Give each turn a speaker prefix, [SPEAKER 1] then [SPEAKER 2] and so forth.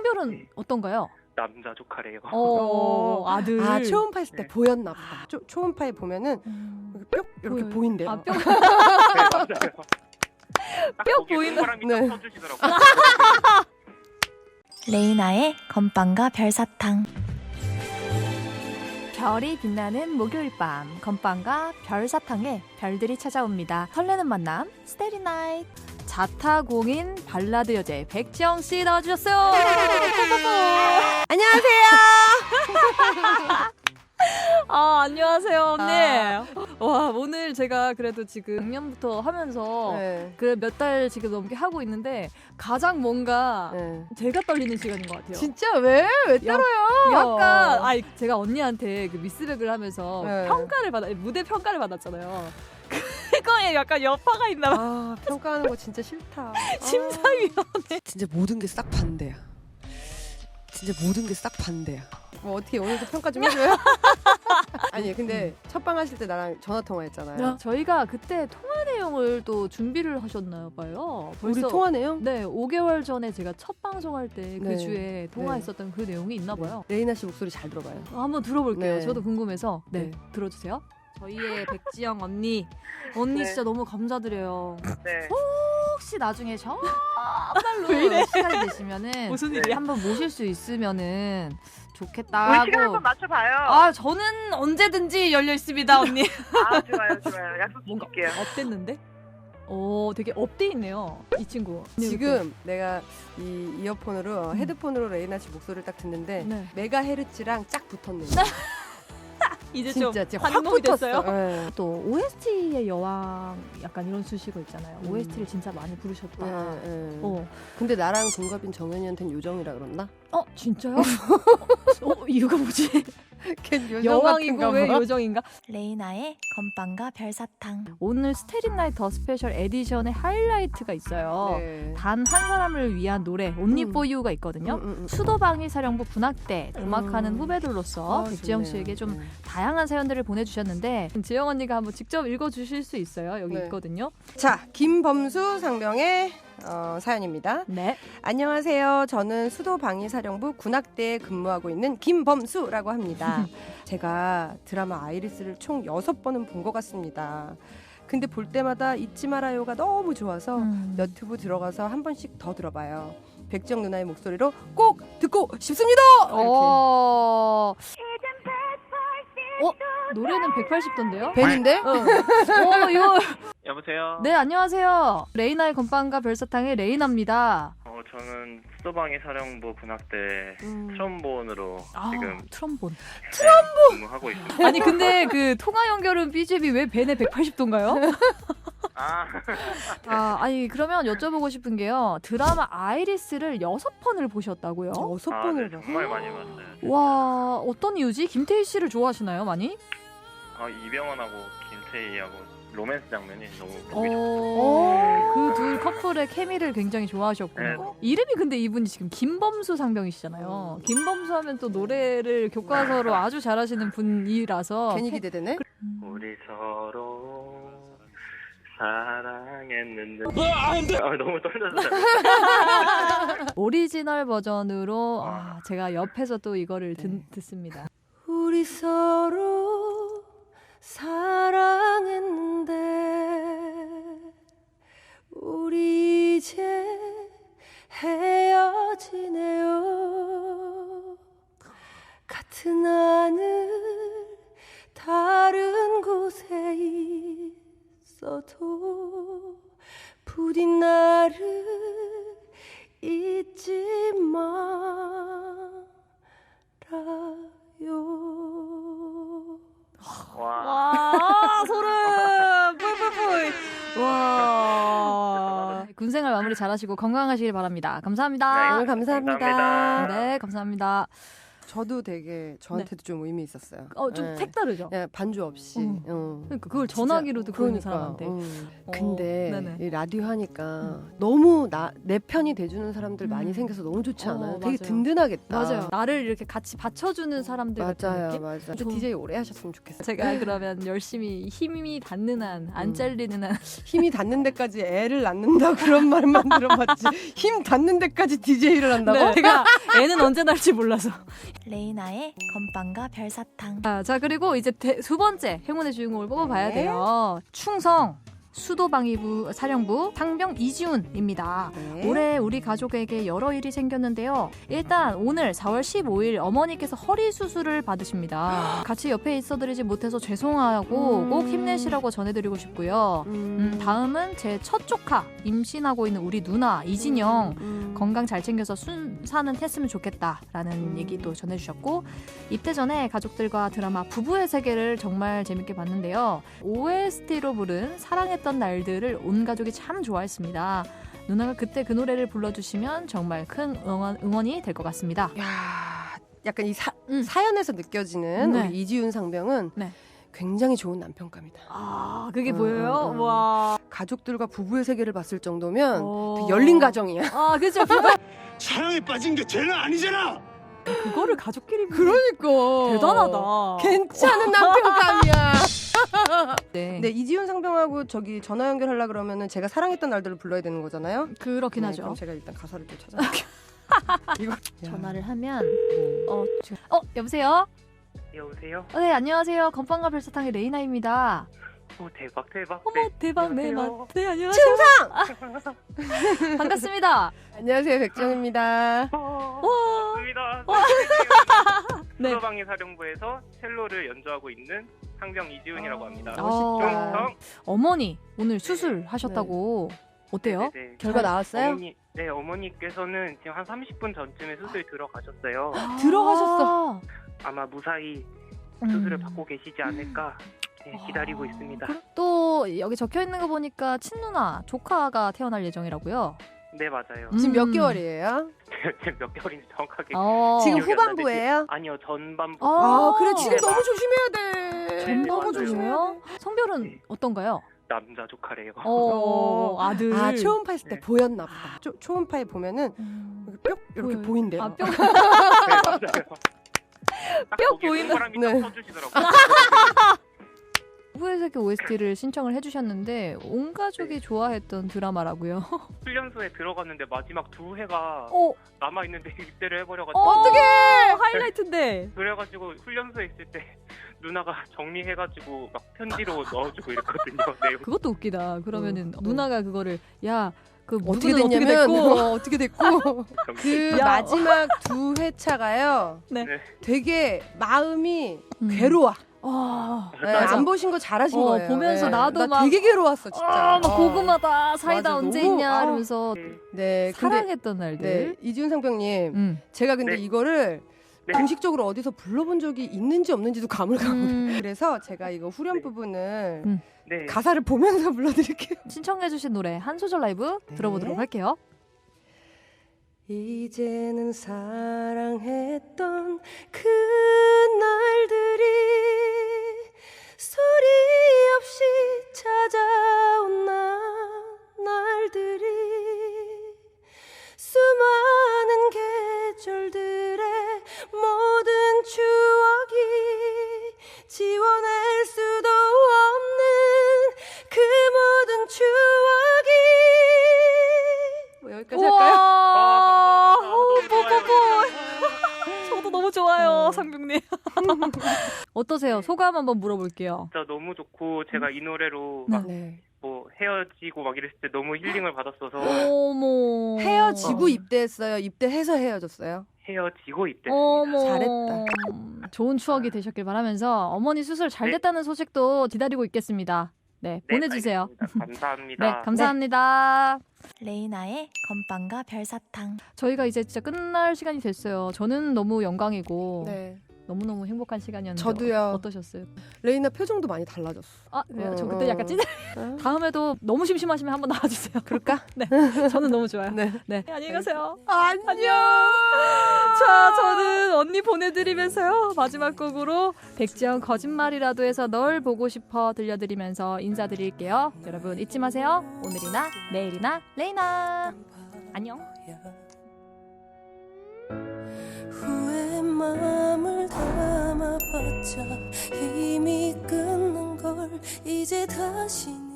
[SPEAKER 1] 성별은 어떤가요?
[SPEAKER 2] 남자 조카래요.
[SPEAKER 1] 아들.
[SPEAKER 3] 아, 초음파했을 때
[SPEAKER 2] 네.
[SPEAKER 3] 보였나 보다. 초음파에 보면은 뿅 이렇게
[SPEAKER 1] 보여요.
[SPEAKER 3] 보인대요.
[SPEAKER 1] 아, 뿅.
[SPEAKER 2] 네, 맞아요. 딱
[SPEAKER 1] 뿅
[SPEAKER 2] 거기에
[SPEAKER 1] 보인다.
[SPEAKER 2] 동그라미
[SPEAKER 3] 네.
[SPEAKER 2] 딱 써주시더라고요.
[SPEAKER 4] 레이나의 건빵과 별사탕.
[SPEAKER 1] 별이 빛나는 목요일 밤, 건빵과 별사탕에 별들이 찾아옵니다. 설레는 만남, 스테리 나이트. 자타공인 발라드 여제 백지영 씨 나와주셨어요.
[SPEAKER 3] 안녕하세요.
[SPEAKER 1] 안녕하세요, 언니.
[SPEAKER 3] 아.
[SPEAKER 1] 와, 오늘 제가 그래도 지금 작년부터 하면서
[SPEAKER 3] 네.
[SPEAKER 1] 그 몇 달 지금 넘게 하고 있는데 가장 뭔가
[SPEAKER 3] 네.
[SPEAKER 1] 제가 떨리는 시간인 것 같아요.
[SPEAKER 3] 진짜 왜 떨어요?
[SPEAKER 1] 약간 제가 언니한테 그 미스백을 하면서
[SPEAKER 3] 네.
[SPEAKER 1] 무대 평가를 받았잖아요. 그거에 약간 여파가 있나 봐.
[SPEAKER 3] 아, 평가하는 거 진짜 싫다.
[SPEAKER 1] 심사위원회.
[SPEAKER 3] 진짜 모든 게 싹 반대야. 진짜 모든 게 싹 반대야. 뭐 어떻게 오늘도 평가 좀 해줘요? 아니 근데 첫방 하실 때 나랑 전화 통화했잖아요.
[SPEAKER 1] 저희가 그때 통화 내용을 또 준비를 하셨나 봐요.
[SPEAKER 3] 우리 통화 내용?
[SPEAKER 1] 네, 5개월 전에 제가 첫 방송할 때 그
[SPEAKER 3] 네.
[SPEAKER 1] 주에 통화했었던 그 내용이 있나 봐요.
[SPEAKER 3] 레이나 씨 목소리 잘 들어봐요.
[SPEAKER 1] 한번 들어볼게요.
[SPEAKER 3] 네.
[SPEAKER 1] 저도 궁금해서. 네,
[SPEAKER 3] 네.
[SPEAKER 1] 들어주세요. 저희의 백지영 언니
[SPEAKER 2] 네.
[SPEAKER 1] 진짜 너무 감사드려요.
[SPEAKER 2] 네.
[SPEAKER 1] 혹시 나중에 정말로 시간이 되시면은
[SPEAKER 2] 무슨 일이야?
[SPEAKER 1] 한번 모실 수 있으면은
[SPEAKER 5] 우리
[SPEAKER 1] 좋겠다고.
[SPEAKER 5] 시간 한번 맞춰봐요.
[SPEAKER 1] 아, 저는 언제든지 열려 있습니다, 언니.
[SPEAKER 5] 아, 좋아요. 약속
[SPEAKER 1] 뭔가
[SPEAKER 5] 드릴게요.
[SPEAKER 1] 업됐는데? 되게 업돼 있네요, 이 친구.
[SPEAKER 3] 지금 내가 이 이어폰으로 헤드폰으로 레이나 씨 목소리를 딱 듣는데
[SPEAKER 1] 네.
[SPEAKER 3] 메가헤르츠랑 짝 붙었네.
[SPEAKER 1] 이제
[SPEAKER 3] 진짜
[SPEAKER 1] 좀
[SPEAKER 3] 확
[SPEAKER 1] 한몸이
[SPEAKER 3] 붙었어.
[SPEAKER 1] 됐어요.
[SPEAKER 3] 네.
[SPEAKER 1] 또 OST의 여왕 약간 이런 수식어 있잖아요.
[SPEAKER 3] 음.
[SPEAKER 1] OST를 진짜 많이 부르셨다.
[SPEAKER 3] 네. 근데 나랑 동갑인 정연이한테는 요정이라 그랬나?
[SPEAKER 1] 진짜요? 이유가 뭐지?
[SPEAKER 3] 걘 요정
[SPEAKER 1] 여왕이고
[SPEAKER 3] 같은가
[SPEAKER 1] 왜
[SPEAKER 3] 봐.
[SPEAKER 1] 요정인가?
[SPEAKER 4] 레이나의 건빵과 별사탕.
[SPEAKER 1] 오늘 스테린나이트 더 스페셜 에디션의 하이라이트가 있어요.
[SPEAKER 3] 네.
[SPEAKER 1] 단 한 사람을 위한 노래 Only
[SPEAKER 3] 음.
[SPEAKER 1] for You가 있거든요. 수도방위 사령부 군악대 음악하는 후배들로서 백지영 씨에게 좀 다양한 사연들을 보내주셨는데 지영 언니가 한번 직접 읽어주실 수 있어요. 여기
[SPEAKER 3] 네.
[SPEAKER 1] 있거든요.
[SPEAKER 3] 자, 김범수 상병의 사연입니다.
[SPEAKER 1] 네.
[SPEAKER 3] 안녕하세요. 저는 수도방위사령부 군악대에 근무하고 있는 김범수라고 합니다. 제가 드라마 아이리스를 총 6번은 본 것 같습니다. 근데 볼 때마다 잊지 말아요가 너무 좋아서 너튜브 들어가서 한 번씩 더 들어봐요. 백지영 누나의 목소리로 꼭 듣고 싶습니다.
[SPEAKER 1] 노래는 180도인데요?
[SPEAKER 3] 벤인데?
[SPEAKER 1] 이거
[SPEAKER 2] 여보세요?
[SPEAKER 1] 네, 안녕하세요. 레이나의 건빵과 별사탕의 레이나입니다.
[SPEAKER 2] 저는 수도방위 사령부 군악대 트럼본으로 지금
[SPEAKER 1] 트럼본.
[SPEAKER 2] 근무하고 있습니다.
[SPEAKER 1] 아니 근데 그 통화 연결은 BGM이 왜 벤의 180도인가요? 아니 그러면 여쭤보고 싶은 게요. 드라마 아이리스를 6번을 보셨다고요?
[SPEAKER 3] 6번을
[SPEAKER 2] 네,
[SPEAKER 3] 봐.
[SPEAKER 2] 정말 많이 봤어요.
[SPEAKER 1] 와, 어떤 이유지? 김태희 씨를 좋아하시나요, 많이?
[SPEAKER 2] 이병헌하고 김태희하고 로맨스 장면이 너무 보기 좋고
[SPEAKER 1] 그 둘 커플의 케미를 굉장히 좋아하셨군요.
[SPEAKER 2] 네.
[SPEAKER 1] 이름이 근데 이분이 지금 김범수 상병이시잖아요. 김범수 하면 또 노래를 교과서로 아주 잘하시는 분이라서
[SPEAKER 3] 괜히 기대되네.
[SPEAKER 2] 우리 서로 사랑했는데 너무 떨려서
[SPEAKER 1] 오리지널 버전으로 제가 옆에서 또 이거를 듣습니다.
[SPEAKER 3] 우리 서로 사랑했는데 우리 이제 헤어지네요. 같은 하늘 다른 곳에 있어도 부디 나를 잊지 말아요.
[SPEAKER 1] 와, 소름! 뿔뿔뿔! 와. 군생활 마무리 잘하시고 건강하시길 바랍니다. 감사합니다.
[SPEAKER 3] 오늘 감사합니다.
[SPEAKER 2] 감사합니다.
[SPEAKER 1] 네, 감사합니다.
[SPEAKER 3] 저도 되게 저한테도 좀 의미 있었어요.
[SPEAKER 1] 좀
[SPEAKER 3] 네.
[SPEAKER 1] 색다르죠.
[SPEAKER 3] 예, 반주 없이.
[SPEAKER 1] 그러니까 그걸 전화기로도 그러는 사람한테.
[SPEAKER 3] 근데
[SPEAKER 1] 네네.
[SPEAKER 3] 이 라디오 하니까 너무 내 편이 돼주는 사람들 많이 생겨서 너무 좋지 않아요? 되게
[SPEAKER 1] 맞아요.
[SPEAKER 3] 든든하겠다.
[SPEAKER 1] 맞아요. 나를 이렇게 같이 받쳐주는 사람들 같은
[SPEAKER 3] 맞아요,
[SPEAKER 1] 느낌?
[SPEAKER 3] 맞아요. 근데
[SPEAKER 1] 저-
[SPEAKER 3] DJ 오래 하셨으면 좋겠어요.
[SPEAKER 1] 제가 그러면 열심히 힘이 닿는 한, 안 잘리는 한.
[SPEAKER 3] 힘이 닿는 데까지 애를 낳는다 그런 말만 들어봤지. 힘 닿는 데까지 DJ를 한다고?
[SPEAKER 1] 네, 제가 애는 언제 날지 몰라서.
[SPEAKER 4] 레이나의 건빵과 별사탕.
[SPEAKER 1] 자 그리고 이제 두 번째 행운의 주인공을 뽑아봐야
[SPEAKER 3] 네.
[SPEAKER 1] 돼요. 충성 수도방위부 사령부 상병 이지훈입니다.
[SPEAKER 3] 네.
[SPEAKER 1] 올해 우리 가족에게 여러 일이 생겼는데요. 일단 오늘 4월 15일 어머니께서 허리 수술을 받으십니다. 같이 옆에 있어드리지 못해서 죄송하고 꼭 힘내시라고 전해드리고 싶고요. 다음은 제 첫 조카 임신하고 있는 우리 누나 이진영 건강 잘 챙겨서 순사는 했으면 좋겠다라는 얘기도 전해주셨고, 입대 전에 가족들과 드라마 부부의 세계를 정말 재밌게 봤는데요. OST로 부른 사랑했던 날들을 온 가족이 참 좋아했습니다. 누나가 그때 그 노래를 불러주시면 정말 큰 응원이 될 것 같습니다.
[SPEAKER 3] 야, 약간 이 사연에서 느껴지는
[SPEAKER 1] 네.
[SPEAKER 3] 우리 이지훈 상병은
[SPEAKER 1] 네.
[SPEAKER 3] 굉장히 좋은 남편감이다.
[SPEAKER 1] 아 그게 보여요?
[SPEAKER 3] 음.
[SPEAKER 1] 와.
[SPEAKER 3] 가족들과 부부의 세계를 봤을 정도면
[SPEAKER 1] 어.
[SPEAKER 3] 되게 열린 가정이야.
[SPEAKER 1] 아 그죠.
[SPEAKER 6] 사랑에 빠진 게 쟤는 아니잖아.
[SPEAKER 1] 그거를 가족끼리
[SPEAKER 3] 그러니까
[SPEAKER 1] 대단하다.
[SPEAKER 3] 괜찮은 남편감이야.
[SPEAKER 1] 네.
[SPEAKER 3] 네, 이지훈 상병하고 저기 전화 연결하려 그러면은 제가 사랑했던 날들을 불러야 되는 거잖아요.
[SPEAKER 1] 그렇긴
[SPEAKER 3] 네,
[SPEAKER 1] 하죠.
[SPEAKER 3] 그럼 제가 일단 가사를 좀 찾아볼게요. 이거
[SPEAKER 1] 전화를 하면
[SPEAKER 3] 네.
[SPEAKER 1] 여보세요?
[SPEAKER 2] 여보세요?
[SPEAKER 1] 네 안녕하세요. 건빵과 별사탕의 레이나입니다.
[SPEAKER 2] 오 대박.
[SPEAKER 1] 어머
[SPEAKER 2] 네,
[SPEAKER 1] 대박 네
[SPEAKER 2] 안녕하세요.
[SPEAKER 1] 맞. 네 안녕하세요. 충성. 반갑습니다.
[SPEAKER 3] 안녕하세요, 백정입니다.
[SPEAKER 2] 반갑습니다.
[SPEAKER 1] 네.
[SPEAKER 2] 수도방위 사령부에서 첼로를 연주하고 있는 상병 이지훈이라고 합니다.
[SPEAKER 3] 멋있다.
[SPEAKER 2] 충성.
[SPEAKER 1] 어머니 오늘 수술하셨다고 어때요?
[SPEAKER 2] 네네.
[SPEAKER 3] 결과 나왔어요?
[SPEAKER 2] 어머니께서는 지금 한 30분 전쯤에 수술 들어가셨어요.
[SPEAKER 3] 들어가셨어.
[SPEAKER 2] 아마 무사히
[SPEAKER 1] 음.
[SPEAKER 2] 수술을 받고 계시지 않을까 기다리고 있습니다.
[SPEAKER 1] 또 여기 적혀 있는 거 보니까 친누나 조카가 태어날 예정이라고요.
[SPEAKER 2] 네 맞아요.
[SPEAKER 3] 지금 몇 개월이에요?
[SPEAKER 2] 지금 몇 개월인지 정확하게
[SPEAKER 3] 지금
[SPEAKER 2] 기억이 안 나는데
[SPEAKER 3] 후반부예요?
[SPEAKER 2] 아니요 전반부.
[SPEAKER 3] 아, 그래 지금
[SPEAKER 2] 네,
[SPEAKER 3] 너무 조심해야 돼.
[SPEAKER 2] 네,
[SPEAKER 1] 너무
[SPEAKER 2] 맞아요.
[SPEAKER 1] 조심해요. 성별은
[SPEAKER 2] 네.
[SPEAKER 1] 어떤가요?
[SPEAKER 2] 남자 조카래요.
[SPEAKER 1] 아들.
[SPEAKER 3] 아, 초음파 했을 때
[SPEAKER 2] 네.
[SPEAKER 3] 보였나 보다. 초음파에 보면은 뿅 이렇게
[SPEAKER 1] 보여요?
[SPEAKER 3] 보인대요.
[SPEAKER 1] 아, 뿅.
[SPEAKER 2] 네, 맞아요.
[SPEAKER 1] 뿅 보이는-
[SPEAKER 2] 사람이
[SPEAKER 3] 네.
[SPEAKER 2] 딱 써주시더라고요.
[SPEAKER 1] 후의 세계 OST를 신청을 해주셨는데 온 가족이 좋아했던 드라마라고요.
[SPEAKER 2] 훈련소에 들어갔는데 마지막 두 해가
[SPEAKER 1] 어,
[SPEAKER 2] 남아 있는데 입대를 해버려가지고
[SPEAKER 1] 어떡해! 하이라이트인데.
[SPEAKER 2] 그래가지고 훈련소에 있을 때 누나가 정리해가지고 막 편지로 넣어주고 이랬거든요. 네.
[SPEAKER 1] 그것도 웃기다. 그러면은 누나가 그거를 그
[SPEAKER 3] 어떻게
[SPEAKER 1] 누구는
[SPEAKER 3] 됐냐면
[SPEAKER 1] 됐고.
[SPEAKER 3] 어떻게 됐고 그
[SPEAKER 1] 야.
[SPEAKER 3] 마지막 두 회차가요.
[SPEAKER 1] 네.
[SPEAKER 3] 되게 마음이
[SPEAKER 1] 음.
[SPEAKER 3] 괴로워.
[SPEAKER 1] 아,
[SPEAKER 3] 네,
[SPEAKER 1] 맞아.
[SPEAKER 3] 안 보신 거 잘하신
[SPEAKER 1] 어,
[SPEAKER 3] 거예요.
[SPEAKER 1] 보면서
[SPEAKER 3] 네.
[SPEAKER 1] 나도
[SPEAKER 3] 나
[SPEAKER 1] 막
[SPEAKER 3] 되게 괴로웠어 진짜.
[SPEAKER 1] 막 고구마다 사이다
[SPEAKER 3] 맞아,
[SPEAKER 1] 언제
[SPEAKER 3] 너무-
[SPEAKER 1] 있냐
[SPEAKER 3] 아.
[SPEAKER 1] 이러면서
[SPEAKER 2] 네.
[SPEAKER 3] 네, 근데
[SPEAKER 1] 사랑했던 날들.
[SPEAKER 3] 네, 이지훈 상병님,
[SPEAKER 1] 음.
[SPEAKER 3] 제가 근데
[SPEAKER 2] 네.
[SPEAKER 3] 이거를
[SPEAKER 2] 네.
[SPEAKER 3] 공식적으로 어디서 불러본 적이 있는지 없는지도 가물가물해.
[SPEAKER 1] 음.
[SPEAKER 3] 그래서 제가 이거 후렴
[SPEAKER 2] 네.
[SPEAKER 3] 부분을
[SPEAKER 2] 네.
[SPEAKER 3] 가사를 보면서 불러드릴게요.
[SPEAKER 1] 신청해주신 노래 한 소절 라이브
[SPEAKER 3] 네.
[SPEAKER 1] 들어보도록 할게요.
[SPEAKER 3] 이제는 사랑했던 그 날들이 소리 없이 찾아온 날들이 수많은 계절들의 모든 추억이 지워낼 수도 없는 그 모든 추억이 뭐 여기까지 할까요?
[SPEAKER 2] 아, 감사합니다. 너무
[SPEAKER 1] 뽀뽀뽀.
[SPEAKER 2] 좋아요.
[SPEAKER 1] 저도 너무 좋아요, 상병님. 어떠세요? 소감 한번 물어볼게요.
[SPEAKER 2] 진짜 너무 좋고 제가 이 노래로
[SPEAKER 1] 네.
[SPEAKER 2] 막
[SPEAKER 3] 네.
[SPEAKER 2] 뭐 헤어지고 막 이랬을 때 너무 힐링을 받았어서
[SPEAKER 1] 어머.
[SPEAKER 3] 헤어지고 입대했어요. 입대해서 헤어졌어요.
[SPEAKER 2] 헤어지고 입대.
[SPEAKER 1] 어머.
[SPEAKER 3] 잘했다.
[SPEAKER 1] 좋은 추억이 되셨길 바라면서 어머니 수술 잘
[SPEAKER 2] 네.
[SPEAKER 1] 됐다는 소식도 기다리고 있겠습니다. 네, 보내주세요.
[SPEAKER 2] 알겠습니다. 감사합니다.
[SPEAKER 1] 네, 감사합니다.
[SPEAKER 4] 레이나의 건빵과 별사탕.
[SPEAKER 1] 저희가 이제 진짜 끝날 시간이 됐어요. 저는 너무 영광이고
[SPEAKER 3] 네.
[SPEAKER 1] 너무너무 행복한 시간이었는데
[SPEAKER 3] 저도요.
[SPEAKER 1] 어떠셨어요?
[SPEAKER 3] 레이나 표정도 많이 달라졌어.
[SPEAKER 1] 아, 그래요? 저 그때 약간 찌들. 다음에도 너무 심심하시면 한번 나와주세요.
[SPEAKER 3] 그럴까?
[SPEAKER 1] 네, 저는 너무 좋아요.
[SPEAKER 3] 네.
[SPEAKER 1] 네, 안녕히 가세요.
[SPEAKER 3] 안녕.
[SPEAKER 1] 자, 저는 언니 보내드리면서요. 마지막 곡으로 백지영 거짓말이라도 해서 널 보고 싶어 들려드리면서 인사드릴게요. 여러분 잊지 마세요. 오늘이나 내일이나 레이나. 안녕.
[SPEAKER 7] 후회 마음을 담아봤자 이미 끝난 걸 이제 다시